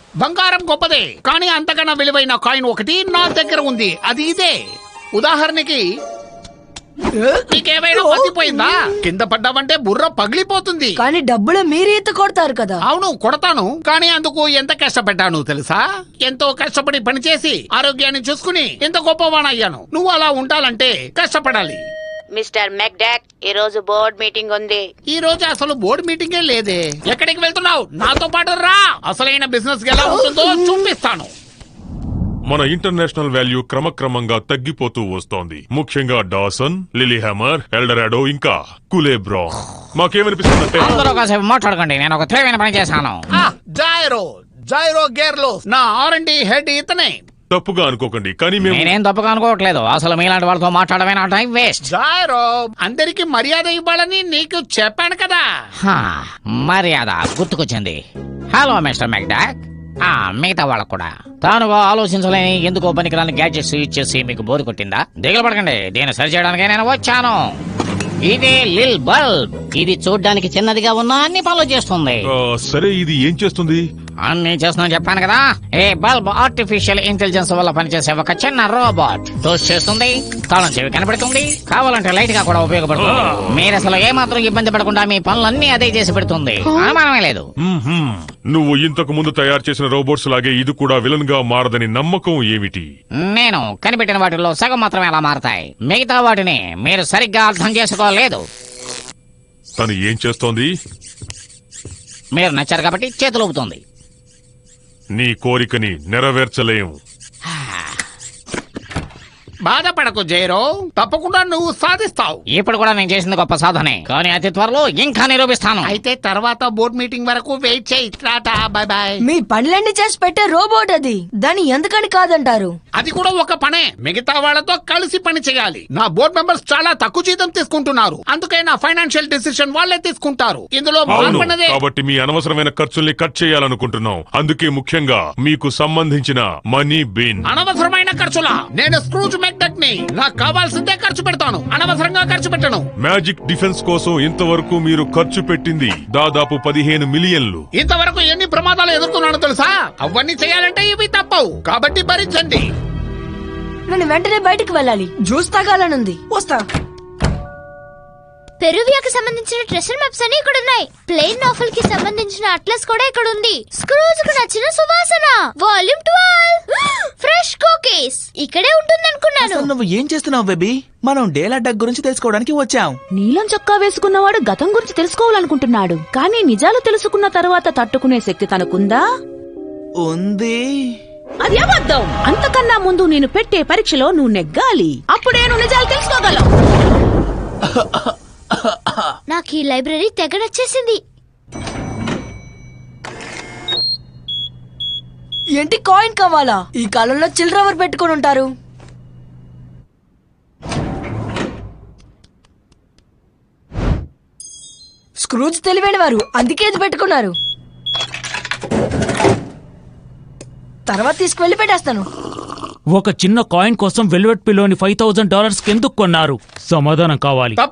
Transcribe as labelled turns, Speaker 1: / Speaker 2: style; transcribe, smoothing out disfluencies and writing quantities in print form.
Speaker 1: బంగారం గొప్పదే, కానీ అంతకన్నా విలువైన కాయిన్ ఒకటి నా దగ్గర ఉంది. అది ఇదే. ఉదాహరణకి నీకేమైనా మర్చిపోయిందా? కింద పడ్డావంటే బుర్ర పగిలిపోతుంది.
Speaker 2: కానీ డబ్బులు మీరు ఈత కొడతారు కదా.
Speaker 1: అవును, కొడతాను. కానీ అందుకు ఎంత కష్టపడ్డాను తెలుసా? ఎంతో కష్టపడి పనిచేసి ఆరోగ్యాన్ని చూసుకుని ఎంత గొప్పవాణయ్యాను. నువ్వు అలా ఉండాలంటే కష్టపడాలి.
Speaker 3: మిస్టర్ మెక్డాక్, ఈ రోజు బోర్డ్ మీటింగ్ ఉంది.
Speaker 1: ఈ రోజు అసలు బోర్డు మీటింగే లేదే. ఎక్కడికి వెళ్తున్నావు? నాతో పాటు రా. అసలైన బిజినెస్ ఎలా ఉంటుందో చూపిస్తాను.
Speaker 4: మన ఇంటర్నేషనల్ వాల్యూ క్రమక్రమంగా తగ్గిపోతూ వస్తోంది. ముఖ్యంగా డాసన్, లిలీహ్యామర్, ఎల్డరాడో ఇంకా కులేబ్రాన్. మాకేమనిపిస్తుందంటే
Speaker 5: అందరూ కాసేపు మాట్లాడకండి. నేను ఒక తెలివైన పని చేశాను.
Speaker 1: జైరో గేర్లో నా R&D హెడ్ ఇతనే.
Speaker 4: తప్పుగా అనుకోకండి, కానీ మేము
Speaker 5: నేనేం తప్పుగా అనుకోవట్లేదు. అసలు మీలాంటి వాళ్ళతో మాట్లాడమే నా టైం వేస్ట్.
Speaker 1: జైరో, అందరికి మర్యాద ఇవ్వాలని నీకు చెప్పాను కదా.
Speaker 5: మర్యాద గుర్తుకొచ్చింది. Hello mister McDock. మిగతా వాళ్ళకు కూడా తానుగా ఆలోచించలేని ఎందుకో పనికిరాని గ్యాడ్జెట్స్ ఇచ్చేసి మీకు బోరు కొట్టిందా? దిగులు పడకండి, దీన్ని సరి చేయడానికి నేను వచ్చాను. ఇది లిల్ బల్బ్. ఇది చూడ్డానికి చిన్నదిగా ఉన్నా అన్ని పనులు చేస్తుంది.
Speaker 4: సరే, ఇది ఏం చేస్తుంది?
Speaker 5: అన్ని చేస్తున్నా చెప్పాను కదా. ఏ బల్బ్ ఆర్టిఫిషియల్ ఇంటెలిజెన్స్ వల్ల పనిచేసే ఒక చిన్న రోబోట్. టోస్ట్ చేస్తుంది, తాళం చెవి కనబడుతుంది, కావాలంటే లైట్ గా కూడా ఉపయోగపడుతుంది. మీరు అసలు ఏమాత్రం ఇబ్బంది పడకుండా మీ పనులన్నీ అదే చేసి పెడుతుంది. అనుమానమే లేదు.
Speaker 4: నువ్వు ఇంతకు ముందు తయారు చేసిన రోబోట్స్ లాగే ఇది కూడా విలన్ గా మారదని నమ్మకం ఏమిటి?
Speaker 5: నేను కనిపెట్టిన వాటిలో సగం మాత్రమే అలా మారతాయి. మిగతా వాటిని మీరు సరిగ్గా అర్థం చేసుకోలేదు.
Speaker 4: తను ఏం చేస్తోంది?
Speaker 5: మీరు నచ్చారు కాబట్టి చేతులు ఊపుతుంది.
Speaker 4: నీ కోరికని నెరవేర్చలేం.
Speaker 1: బాధపడకు జైరో, తప్పకుండా నువ్వు సాధిస్తావు.
Speaker 5: ఇప్పుడు కూడా నేను చేసింది గొప్ప సాధనే, కానీ అతి త్వరలో ఇంకా నిరూపిస్తాను.
Speaker 1: అయితే తర్వాత బోర్డ్ మీటింగ్ వరకు వెయిట్ చేయి. Tata, by by.
Speaker 2: మీ పనులన్నీ చేసి పెట్టే రోబోట్ అది. దాన్ని ఎందుకని కాదంటారు?
Speaker 1: అది కూడా ఒక పనే. మిగతా వాళ్ళతో కలిసి పని చేయాలి. నా బోర్డ్ మెంబర్స్ చాలా తక్కువ జీతం తీసుకుంటున్నారు. అందుకే నా ఫైనాన్షియల్ డిసిషన్ వాళ్ళే తీసుకుంటారు. ఇందులో మార్పన్నదే.
Speaker 4: కాబట్టి మీ అనవసరమైన ఖర్చుల్ని కట్ చేయాలనుకుంటున్నాం. అందుకే ముఖ్యంగా మీకు సంబంధించిన మనీ బిన్.
Speaker 1: అనవసరమైన ఖర్చులా? నేను స్క్రూజ్ మెక్డక్ని. నాకు కావాల్సిందే ఖర్చు పెడతాను, అనవసరంగా ఖర్చు పెట్టను.
Speaker 4: మ్యాజిక్ డిఫెన్స్ కోసం ఇంతవరకు మీరు ఖర్చు పెట్టింది దాదాపు 15 మిలియన్లు.
Speaker 1: ఇంతవరకు ఎన్ని ప్రమాదాలు ఎదుర్కొన్నాను తెలుసా? అవన్నీ చేయాలంటే ఇవి తప్పవు. కాబట్టి భరించండి.
Speaker 2: నేను వెంటనే బయటికి వెళ్ళాలి. జ్యూస్ తాగాలనుంది. వస్తా.
Speaker 6: పెరువియాకి సంబంధించిన ట్రెషర్ మ్యాప్స్ అన్ని ఇక్కడ ఉన్నాయి. ప్లేన్ నావెల్ కి సంబంధించిన అట్లస్ కూడా ఇక్కడ ఉంది. స్క్రూజ్ కు నచ్చిన సువాసన వాల్యూమ్ 12 ఫ్రెష్ కుకీస్ ఇక్కడే ఉంటుందనుకున్నాను.
Speaker 7: నువ్వు ఏం చేస్తున్నావు బేబీ? మనం డేలా డక్ గురించి తెలుసుకోవడానికి వచ్చాం.
Speaker 8: నీలం చొక్కా వేసుకున్నవాడు గతం గురించి తెలుసుకోవాలనుకుంటున్నాడు, కానీ నిజాలు తెలుసుకున్న తర్వాత తట్టుకునే శక్తి తనకుందా?
Speaker 7: ఉంది.
Speaker 8: అది అబద్ధం. అంతకన్నా ముందు నేను పెట్టే పరీక్షలో నువ్వు నెగ్గాలి. అప్పుడే నువ్వు నిజాలు తెలుసుకోగలవు.
Speaker 6: నాకు ఈ లైబ్రరీ తెగ నచ్చేసింది.
Speaker 2: ఏంటి కాయిన్ కావాలా? ఈ కాలంలో చిల్లర ఎవరు పెట్టుకుని ఉంటారు? స్క్రూజ్ తెలివైన వారు, అందుకే ఇది పెట్టుకున్నారు. తర్వాత తీసుకువెళ్ళి పెట్టేస్తాను.
Speaker 9: ఒక చిన్న కాయిన్ కోసం వెల్వెట్ పిల్లోని $5,000 ఎందుకు కొన్నారు? సమాధానం కావాలి.